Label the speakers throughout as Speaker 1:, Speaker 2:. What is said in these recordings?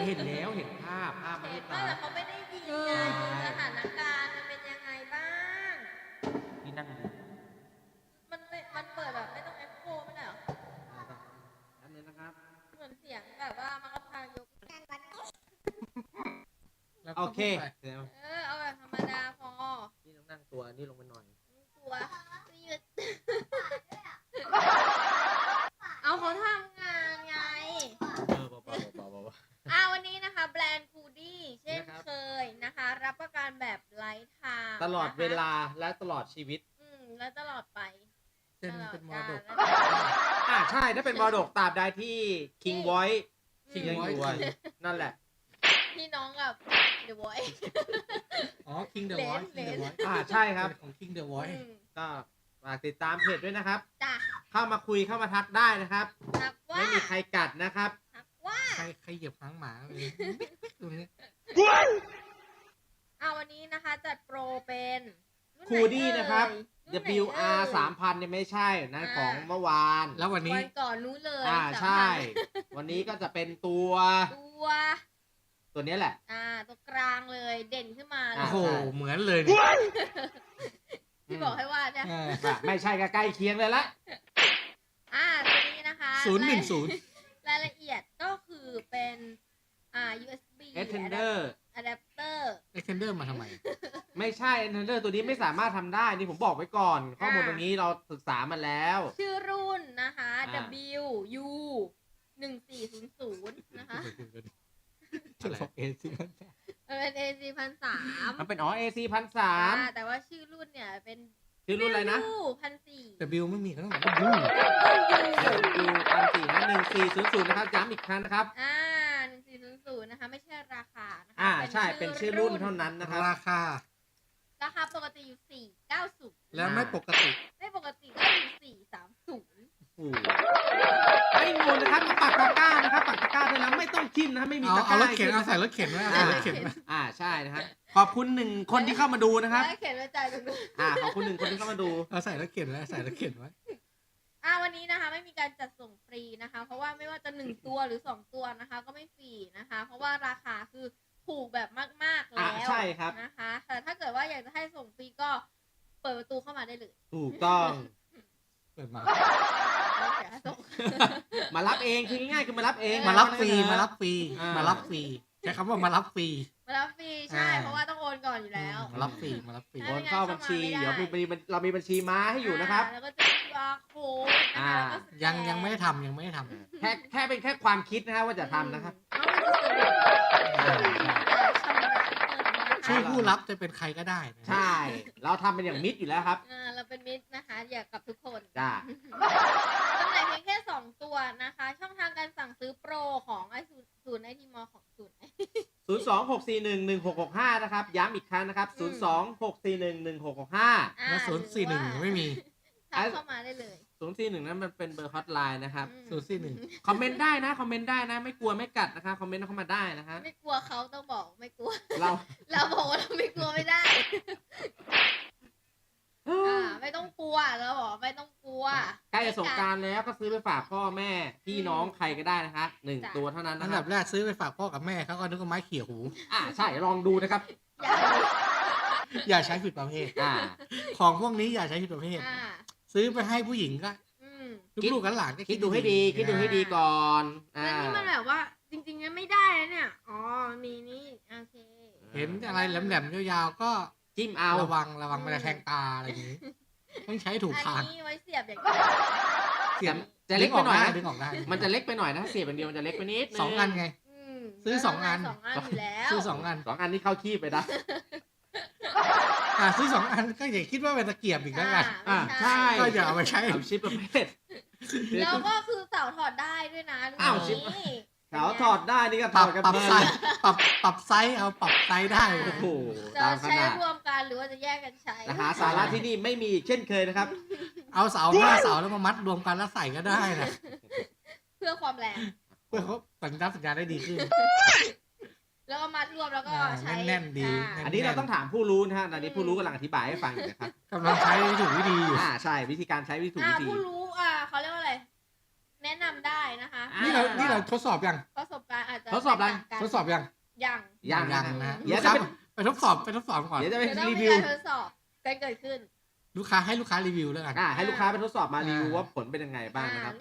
Speaker 1: เห็นแล้วเห็นภาพไม่
Speaker 2: เห็
Speaker 1: ได้
Speaker 2: นว่า
Speaker 1: ตา
Speaker 2: แต่เขาไม่ได้ยินไงสถานการณ์มันเป็นยังไงบ้าง
Speaker 1: ที่นั่งดู
Speaker 2: มันเปิดแบบไม่ต้องเอ็กโคไม่ได้หรอ
Speaker 1: อันนี้นะครับ
Speaker 2: เหมือนเสียงแบบว่ามันก็พายก
Speaker 1: โอเค
Speaker 2: เอาแบบธรรมดาพอ
Speaker 1: นี่ต้องนั่งตัวนี่ลงไปหน่อย
Speaker 2: ตัวยืดเอาเขาทำงานไง วันนี้นะคะแบรนด์คูดี้เช่นเคยนะคะ รับประกันแบบไลฟ์ไทม์
Speaker 1: ตลอดเวลาและตลอดชีวิต
Speaker 2: และตลอดไป
Speaker 3: เส้นเป็นมรดก
Speaker 1: ใช่ถ้าเป็นมรดกตราบใดที่ King Voice ยังอยู่
Speaker 3: Voice
Speaker 1: นั่นแหละ
Speaker 2: พี่น้องกับ The Voice
Speaker 3: อ๋อ King the Voice King the Voice
Speaker 1: ใช่ครับ
Speaker 3: ของ King the Voice
Speaker 1: ก็ฝากติดตามเพจด้วยนะครับ
Speaker 2: จ้ะ
Speaker 1: เข้ามาคุยเข้ามาทักได้นะครับ
Speaker 2: ทักว่า
Speaker 1: ไม่มีใครกัดนะครับ
Speaker 2: ทักว่า
Speaker 3: ใครเหยียบหางหมาเลยตรงนี้
Speaker 2: วันนี้นะคะจัดโปรเป็นรุ่นไหน
Speaker 1: คูดี้นะครับ
Speaker 2: รุ่นไหน
Speaker 1: WR 3,000เนี่ยไม่ใช่นะของเมื่อวาน
Speaker 3: แล้ววันนี้
Speaker 2: วันก่อนนู้นเลย
Speaker 1: ใช่ วันนี้ก็จะเป็นตัว
Speaker 2: ตัว
Speaker 1: นี้แหละ
Speaker 2: ตัวกลางเลยเด่นขึ้นมาเล
Speaker 3: โอ้
Speaker 2: ย
Speaker 3: โหเหมือนเลยเนี่ย
Speaker 2: ที่บอกให้ว่าเนี่ย
Speaker 1: ไม่ใช่ก็ใกล้เคียงเลยละ
Speaker 2: ตัวนี้นะคะ
Speaker 3: 010
Speaker 2: รายละเอียดก็คือเป็นUSB
Speaker 1: Extender
Speaker 2: adapter
Speaker 3: Extender มาทำไม
Speaker 1: ไม่ใช่ Extender ตัวนี้ไม่สามารถทำได้นี่ผมบอกไว้ก่อน ข้อมูลตรงนี้เราศึกษามาแล้ว
Speaker 2: ชื่อรุ่นนะคะ WU 1400นะคะ
Speaker 3: จะบอกเอซิ
Speaker 2: เป็น AC 1,300
Speaker 1: มันเป็นAC 1,300
Speaker 2: แต่ว่าชื่อรุ่นเนี่ยเป็น
Speaker 1: ชื่อรุ่นอะไรนะ
Speaker 2: 1,400
Speaker 3: W ไม่มีก็ต้องบอก W
Speaker 1: อยู่1,400นะ1400นะครับย้ำอีกครั้งนะครับ
Speaker 2: 1400นะคะไม่ใช่ราคานะคะ
Speaker 1: ใช่เป็นชื่อรุ่นเท่านั้นนะครับ
Speaker 3: ราคา
Speaker 2: ราคาปกติอยู่490
Speaker 3: แล้วไม่ปกติ
Speaker 2: ไม่ปกติก็อยู่430
Speaker 1: ไม่งูนะครับมาปักตะกร้านะครับปักตะกร้าด้วยนะไม่ต้องจิ้มนะครับไม่มีตะก
Speaker 3: เอา
Speaker 1: ร้าร
Speaker 3: ถเข็นเอาใส่รถเข็นไว้เอาใส่รถเข็นไว้
Speaker 1: ใช่นะครับขอบคุณ1คนที่เข้ามาดูนะครับ
Speaker 2: แล้วเขียนไว้ใจตรงนู้น
Speaker 1: ขอบคุณ1คนที่เข้ามาดู
Speaker 3: เอาใส่รถเข็นไว้ใส่รถเข็นไว้
Speaker 2: วันนี้นะคะไม่มีการจัดส่งฟรีนะคะ เพราะว่าไม่ว่าจะ1ตัวหรือ2ตัวนะคะ ก็ไม่ฟรีนะคะ เพราะว่าราคาคือถูกแบบมากๆแล้ว
Speaker 1: ใช่ครับ
Speaker 2: นะคะ แต่ถ้าเกิดว่าอยากจะให้ส่งฟรีก็เปิดประตูเข้ามาได้เลย
Speaker 1: ถูกต้อง
Speaker 3: เปิดมา
Speaker 2: เดี๋ยวให้ส่ง
Speaker 1: มารับเองคือง่ายๆคือมารับเอง
Speaker 3: มารับฟรีมารับฟรี
Speaker 1: อ่าม
Speaker 3: มารับฟรีใช้คำว่ามารับฟรี
Speaker 2: มารับฟรีใช่ เพราะว่าต้องโอนก่อนอยู่แล้ว
Speaker 3: มารับฟรีมารับฟรี
Speaker 1: โอนเข้าบัญชีเดี๋ยวเรามีบัญชีม้าให้อยู่นะครับ
Speaker 2: แล้วก็จะมี QR code นะคะแล้วก็สแกน
Speaker 3: ยังไม่ได้ทำยังไม่ได้ทำ
Speaker 1: แค่เป็นแค่ความคิดนะครับว่าจะทำนะครับ
Speaker 3: ชื่อผู้รับจะเป็นใครก็ได้นะ
Speaker 1: ใช่ เราทำเป็นอย่างมิตรอยู่แล้วครับ
Speaker 2: เราเป็นมิตรนะคะอยากกับทุกคน
Speaker 1: จ้า
Speaker 2: จำหน่ายเพียงแค่2ตัวนะคะ ช่องทางการสั่งซื้อโปรของไอศูนย์ไอทีมอของศูนย์
Speaker 1: 026411665นะครับย้ำอีกครั้งนะครับ026411665
Speaker 3: แล้ว041ไม่มี
Speaker 2: ทักเข้ามาได้เลย
Speaker 1: 041นั้นมันเป็นเบอร์ฮอตไลน์นะครับ
Speaker 3: 041
Speaker 1: คอมเมนต์ได้นะคอมเมนต์ได้นะไม่กลัวไม่กัดนะครับคอมเมนต์เข้ามาได้นะครับ
Speaker 2: ไม่กลัวเขาต้องบอกไม่กลัว
Speaker 1: เรา
Speaker 2: บอกว่าเราไม่กลัวไม่ได้ ไม่ต้องกลัวเราบอกไม่ต้องกลัว
Speaker 1: ใกล้จะสงกรานต์แล้วก็ซื้อไปฝากพ่อแม่พี่น้องใครก็ได้นะคะ1ตัวเท่านั้น
Speaker 3: อั
Speaker 1: นะ
Speaker 3: น
Speaker 1: ค
Speaker 3: ดั
Speaker 1: รั
Speaker 3: บบ แรกซื้อไปฝากพ่อกับแม่เขาก็นึกว่าไม้เขี่ยหู
Speaker 1: ใช่ลองดูนะครับ
Speaker 3: อย่าใช้ผิดประเภท ของพวกนี้อย่าใช้ผิดประเภท ซื้อไปให้ผู้หญิงก็ลูกๆหลานก็
Speaker 1: คิดดูให้ดีคิดดูให้ดีก่อน
Speaker 2: แต่นี่มันแบบว่าจริงๆไม่ได้นะเนี่ยมีนี่โอเค
Speaker 3: เห็นอะไรแหลมๆยาวๆก็
Speaker 1: จิ้มเอา
Speaker 3: ระวังมันจะแทงตาอะไรอย่างนี้ต้องใช้ถูกทาง
Speaker 2: อันนี้ไว้เสียบอย่างนี้
Speaker 3: เสียบ
Speaker 1: จะเล็กไปหน่อยนะ
Speaker 3: ดึงออกได้
Speaker 1: มันจะเล็กไปหน่อยนะเสียบอย่างเดียวมันจะเล็กไปนิดนึง
Speaker 3: 2 อันไง ซื้อ2 อัน
Speaker 2: 2 อันอยู่แล้ว
Speaker 3: ซื้อ2 อัน
Speaker 1: 2 อันนี้เข้าขี้ไปนะ
Speaker 3: ซื้อ2 อันก็อย่าคิดว่าเป็นตะเกียบอีกแล้วกัน
Speaker 1: ใช่
Speaker 3: ก็อย่าเอาไปใช้
Speaker 1: ทำชิปประเภท
Speaker 2: แล้วก็คือเสาถอดได้ด้วยนะ
Speaker 1: อ้าวชิป เขาถอดได้นี่ก็
Speaker 3: ป
Speaker 1: ถ
Speaker 3: รั
Speaker 1: อบ ดกัน
Speaker 3: ปรับ
Speaker 1: เพลิ
Speaker 3: ไซ
Speaker 1: น
Speaker 3: ส์ปรับไซส์เอาปรับไซส์ได้
Speaker 1: โอ้โห
Speaker 2: จะ
Speaker 1: ตามข
Speaker 2: ใช้
Speaker 1: นาด
Speaker 2: รวมกันหรือว่าจะแยกกันใช้
Speaker 1: นะฮะสาระที่นี่ไม่มีอีกเช่นเคยนะครับ
Speaker 3: เอาเสา5 เสาแล้วมามัดรวมกันแล้วใส่ก็ได้นะ
Speaker 2: เพื่อความแรง
Speaker 3: เพื่อเขาสัญญาณได้ดีขึ้น
Speaker 2: แล้วก็มัดรวมแล้วก็ใช้
Speaker 3: แน่นๆดี
Speaker 1: อันนี้เราต้องถามผู้รู้นะฮะตอนนี้ผู้รู้กำลังอธิบายให้ฟังอยู่นะครับ
Speaker 3: กำลังใช้ถูกวิธีอยู่
Speaker 1: ใช่วิธีการใช้วิธีถูกวิธี
Speaker 2: ผู้รู้เขาเรียกว่าอะไร แนะนำได้นะคะ
Speaker 3: นี่เราทดสอบยัง
Speaker 2: ประสบการณ์อาจจะ
Speaker 1: ทดสอบอะไร
Speaker 2: แตกต่างกัน
Speaker 3: ทดสอบยัง
Speaker 2: ยัง
Speaker 1: ยัง
Speaker 3: ยัง
Speaker 1: นะ
Speaker 3: นะ
Speaker 1: เดี๋
Speaker 3: ลู
Speaker 1: ยว
Speaker 3: ก
Speaker 1: จะ
Speaker 3: ค้า
Speaker 1: เป็น
Speaker 3: ไปทดสอบก่อน
Speaker 1: เดี๋ยวจะไป
Speaker 2: เดี๋ยวต้อง
Speaker 1: รี
Speaker 2: มี
Speaker 1: วิว
Speaker 2: การทดสอบกันเกิดขึ้น
Speaker 3: ลูกค้าให้ลูกค้ารีวิวแล้วกัน
Speaker 1: ให้ลูกค้าไปทดสอบมารีวิวว่าผลเป็นยังไงบ้างนะครับ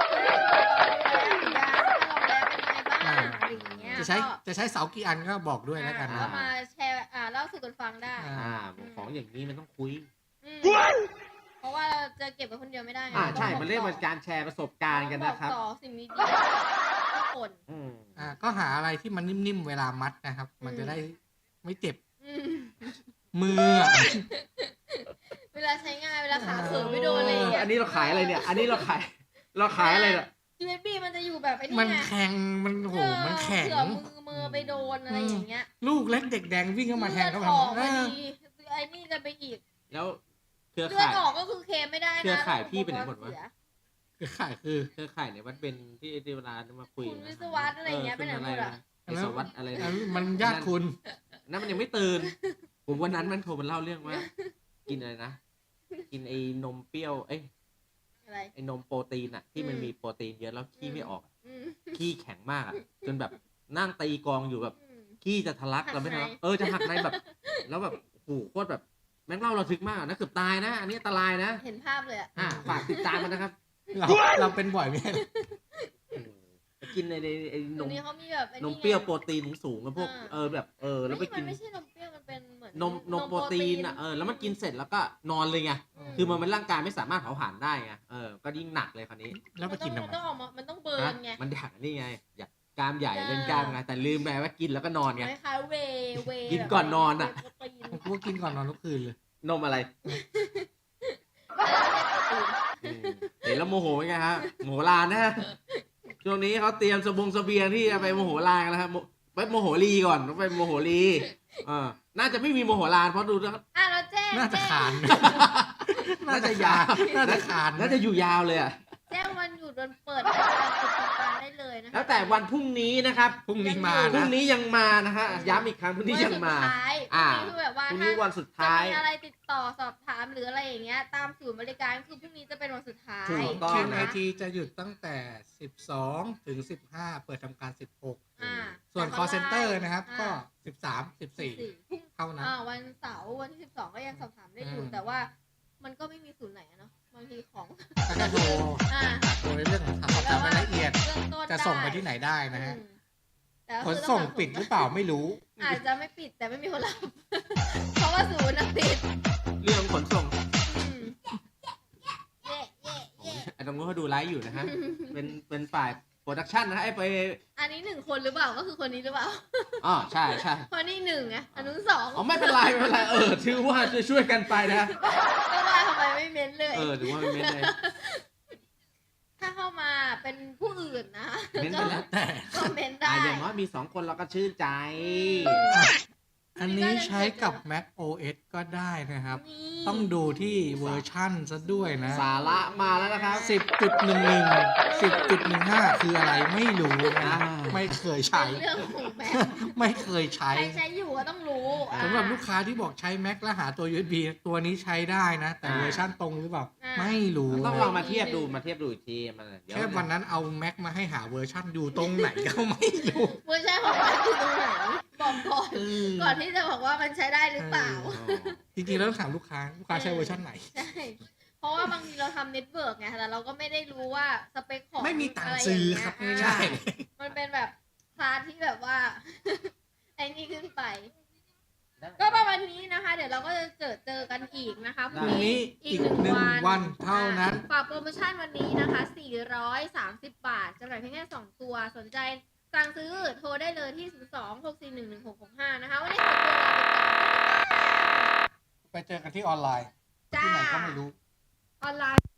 Speaker 2: อะไรอย่างเงี้ย
Speaker 3: จะใช้เสากี่อันก็บอกด้วยแล้วกัน
Speaker 2: ก็
Speaker 3: นะ
Speaker 2: มาแชร์เล่าสู่กันฟังได้
Speaker 1: ของอย่างนี้มันต้องคุย
Speaker 2: เพราะว่าเราจะเก็บไว้คนเดียวไม่ได้
Speaker 1: ใช่มันเรียกว่าการแชร์ประสบการณ์กันนะครับ
Speaker 2: ต่อสิ่งดีๆทุกคน
Speaker 3: ก็หาอะไรที่มันนิ่มๆเวลามัดนะครับ มันจะได้ไม่เจ็บ
Speaker 2: อืม
Speaker 3: มืออะ
Speaker 2: เวลาใช้งานเวลาขาเขินไม่โดนอะไรอย่างเงี้ย
Speaker 1: อันนี้เราขายอะไรเนี่ย อันนี้เราขายอะไรเนี่ย
Speaker 2: USB มันจะอยู่แบบไอ้นี่
Speaker 3: มัน
Speaker 2: ไง
Speaker 3: แข็งมันโหมันแข็ง
Speaker 2: เผื่อมือไปโดนอะไรอย่างเงี้ย
Speaker 3: ลูกเล็กเด็กแดงวิ่งเข้ามาแทง
Speaker 2: เลื
Speaker 3: เขา
Speaker 2: อดออก
Speaker 3: เอ
Speaker 2: พอ
Speaker 3: อ
Speaker 2: ดีไอ้นี่กันไปอีก
Speaker 1: แล้วเครือ
Speaker 2: เลือด
Speaker 1: ข่าย
Speaker 2: ออกก็คือเคลมไม่ได้นะ
Speaker 1: เครือข่ายพี่ไปไหนหมดวะ
Speaker 3: คือขายคือ
Speaker 1: เครือข่ายเนี่ยมันเป็นที่เวลามาคุย
Speaker 2: คุณวิศวัตอะไรอย่างเงี้ยไปไหนหมดอ่ะ
Speaker 1: วิศวัตอะไรนะ
Speaker 3: มันญาติคุณ
Speaker 1: นั่นมันยังไม่ตื่น ผมวันนั้นมันโทรมาเล่าเรื่องว่า กินอะไรนะ กินไอ้นมเปรี้ยว
Speaker 2: อะไร
Speaker 1: ไอ้นมโปรตีนอะที่มันมีโปรตีนเยอะแล้วขี้ไม่ออก
Speaker 2: อืม
Speaker 1: ขี้แข็งมากอะจนแบบนั่งตีกองอยู่แบบ
Speaker 2: อืม
Speaker 1: ขี้จะทะลักเราไม่
Speaker 2: หัก
Speaker 1: ทะ
Speaker 2: ใน
Speaker 1: ลักจะหักในแบบ แล้วแบบโอ้โหโคตรแบบแม่งเล่าเราทึกมากนะเกือบตายนะ อันนี้อันตรายนะ
Speaker 2: เห็นภาพเลยอ่ะ
Speaker 1: ฝากติดตามมันนะครับ
Speaker 3: เราเป็นบ่อยไหม
Speaker 1: ไปกินไอ้น
Speaker 2: ตรง
Speaker 1: ม
Speaker 2: นี้เขามีแบบไอ้
Speaker 1: นม
Speaker 2: ไง
Speaker 1: เปรี้ยวโปรตีนสูงๆกับพวก แบบ แล้วไป
Speaker 2: มั
Speaker 1: กิน
Speaker 2: นไม่ใช่นมเปรี้ยวมันเป็นเหมือน
Speaker 1: นมโปรตีนอะแล้วมันกินเสร็จแล้วก็นอนเลยไง คือมันร่างกายไม่สามารถเผาผลาญได้ไง ก็ยิ่งหนักเลยคราวนี้
Speaker 3: แล้วไปกินทำไม
Speaker 2: มันต้องออกมามันต้องเบิร์นไง
Speaker 1: มันอยากนี่ไง อยากกล้ามใหญ่เล่นกล้ามไง แต่ลืมไปว่ากินแล้วก็นอนไง
Speaker 2: คล้ายๆเวย์
Speaker 1: กินก่อนนอนอะ
Speaker 2: โปรตีน
Speaker 3: ผมก็กินก่อนนอนทุกคืนเลย
Speaker 1: นมอะไรเห็นแล้วโมโหไงฮะโมโหลานนะฮะ ช่วงนี้เขาเตรียมเสบียงที่จะไปโมโหลานกันแล้วครับไปโมโหลีก่อนต้องไปโมโหลีน่าจะไม่มีโมโหลานเพราะดูแล้ว
Speaker 2: เราแจ้ง
Speaker 3: น่าจะขาน
Speaker 1: น่าจะยาว
Speaker 3: น่าจะขาน
Speaker 1: น่าจะอยู่ยาวเลยอะ
Speaker 2: แจ้งวันหยุดวันเปิดการปิดทำการได้เลยนะคะ
Speaker 1: แล้วแต่วันพรุ่งนี้นะครับ
Speaker 3: พรุ่งนี้มา
Speaker 1: พรุ่
Speaker 3: นะ
Speaker 1: งนี้ยังมานะฮะย้ำอีกครั้งพรุ่งนี้ยังมา
Speaker 2: วันสุดท้าย
Speaker 1: อ่า
Speaker 2: คือแบบว่า
Speaker 1: พรุ่ง
Speaker 2: ถ้า
Speaker 1: นี้วันสุดท้าย
Speaker 2: จะมีอะไรติดต่อสอบถามหรืออะไรอย่างเงี้ยตามศูนย์บริการคือพรุ่งนี้จะเป็นวันสุดท้าย
Speaker 1: ถูกต้อง
Speaker 3: ทีม
Speaker 2: นะ
Speaker 3: ไอ
Speaker 2: คะ
Speaker 3: ทีจะหยุดตั้งแต่ 12 ถึง 15 เปิดทำการ 16
Speaker 2: อ่า
Speaker 3: ส่วน
Speaker 2: แต่
Speaker 3: call center นะครับ
Speaker 2: อ่า
Speaker 3: ก็ 13 14 เท่านั้น
Speaker 2: วันเสาร์วันที่12ก็ยังสอบถามได้อยู่ แต่ว่ามันก็ไม่มีศูนย์ไหนอะเนาะบางทีของ
Speaker 3: ก็จะโทร
Speaker 2: อ่า
Speaker 3: โทรในเรื่องของสอบถามรายละเอียด
Speaker 2: เบื้องต้น
Speaker 3: จะส่งไปที่ไหนได้นะฮะ
Speaker 2: แต่ก็
Speaker 3: ข
Speaker 2: คื
Speaker 3: น
Speaker 2: อ
Speaker 3: ส่ง
Speaker 2: ต้อง
Speaker 3: ปิดหรือเปล่าไม่รู้
Speaker 2: อาจจะไม่ปิดแต่ไม่มีคนรับ เพราะว่าศูนย์น่ะปิด
Speaker 1: เรื่องขนส่ง
Speaker 2: อืมเย่เย่เย่
Speaker 1: ไอ้ตรงนู้นเขาดูไลฟ์อยู่นะฮะ เป็นฝ่ายโปรดักชันนะฮะไป
Speaker 2: อันนี้1 คนหรือเปล่าก็คือคนนี้หรือเปล่า
Speaker 1: ใช่ใช่
Speaker 2: คนนี้1ไงอันนู้น2
Speaker 1: ไม่เป็นไรไม่เป็นไรถือว่าช่วยกันไปนะ
Speaker 2: ก็ว่าทำไมไม่เม้นเลย
Speaker 1: ถือว่าไม่เม้นเลย
Speaker 2: ถ้าเข้ามาเป็นผู้อื่นนะ
Speaker 1: เม้นไปแล้ว
Speaker 3: แต่
Speaker 2: ก็เม้นได้
Speaker 1: อย่างน้อยมี2 คนเราก็ชื่นใจ
Speaker 3: อันนี้ใช้กับ Mac OS ก็ได้นะครับ
Speaker 2: นี่
Speaker 3: ต้องดูที่เวอร์ชั่นซะด้วยนะ
Speaker 1: สาระมาแล้วนะครับ
Speaker 3: 10.11 10.15 คืออะไรไม่รู้นะ ไม่เคยใช้
Speaker 2: เป็นเรื่องของแม่
Speaker 3: ไม่เคยใช้
Speaker 2: ใครใช้อยู่ก็ต้องรู้
Speaker 3: สำหรับลูกค้าที่บอกใช้ Mac แล้วหาตัว USB ตัวนี้ใช้ได้นะ แต่เวอร์ชั่นตรงหรือเปล่า ไม่รู้
Speaker 1: ต้อง
Speaker 3: นะ
Speaker 1: ลองมาเทียบดูอีกทีมันเดี๋ยว
Speaker 3: แค่วันนั้นเอา Mac มาให้หาเวอร์ชั่นอยู่ตรงไหนก็ไม่รู้
Speaker 2: เวอร์ชันของมันอยู่ตรงไหนบอกก่อนก่อนที่จะบอกว่ามันใช้ได้หรือเปล่า
Speaker 3: จริงๆแล้วต้องถามลูกค้าใช้เวอร์ชันไหน
Speaker 2: ใช่ เพราะว่าบางทีเราทำเน็ตเวิร์กไงแต่เราก็ไม่ได้รู้ว่าสเปคของ
Speaker 3: ไม่มีตัง
Speaker 2: ะ
Speaker 3: ค์
Speaker 2: ไร
Speaker 3: ซื้อ
Speaker 2: อย่าง
Speaker 3: ครับ
Speaker 2: เงี้ย
Speaker 3: ง่าย
Speaker 2: มันเป็นแบบคลาสที่แบบว่า ไอ้นี่ขึ้นไป ก็ประมาณนี้นะคะ เดี๋ยวเราก็จะเจอกันอีกนะคะ
Speaker 3: พรุ่งนี้อีก1 วันเท่านั้น
Speaker 2: ฝากโปรโมชั่นวันนี้นะคะ430 บาทจำหน่ายเพียงแค่2 ตัวสนใจสั่งซื้อโทรได้เลยที่02-641-1665นะคะวันนี้ขอตัวลาไปก่อน
Speaker 3: ไปเจอกันที่ออนไลน์
Speaker 2: จ้า
Speaker 3: ที่ไหนก็ไม่รู้
Speaker 2: ออนไลน์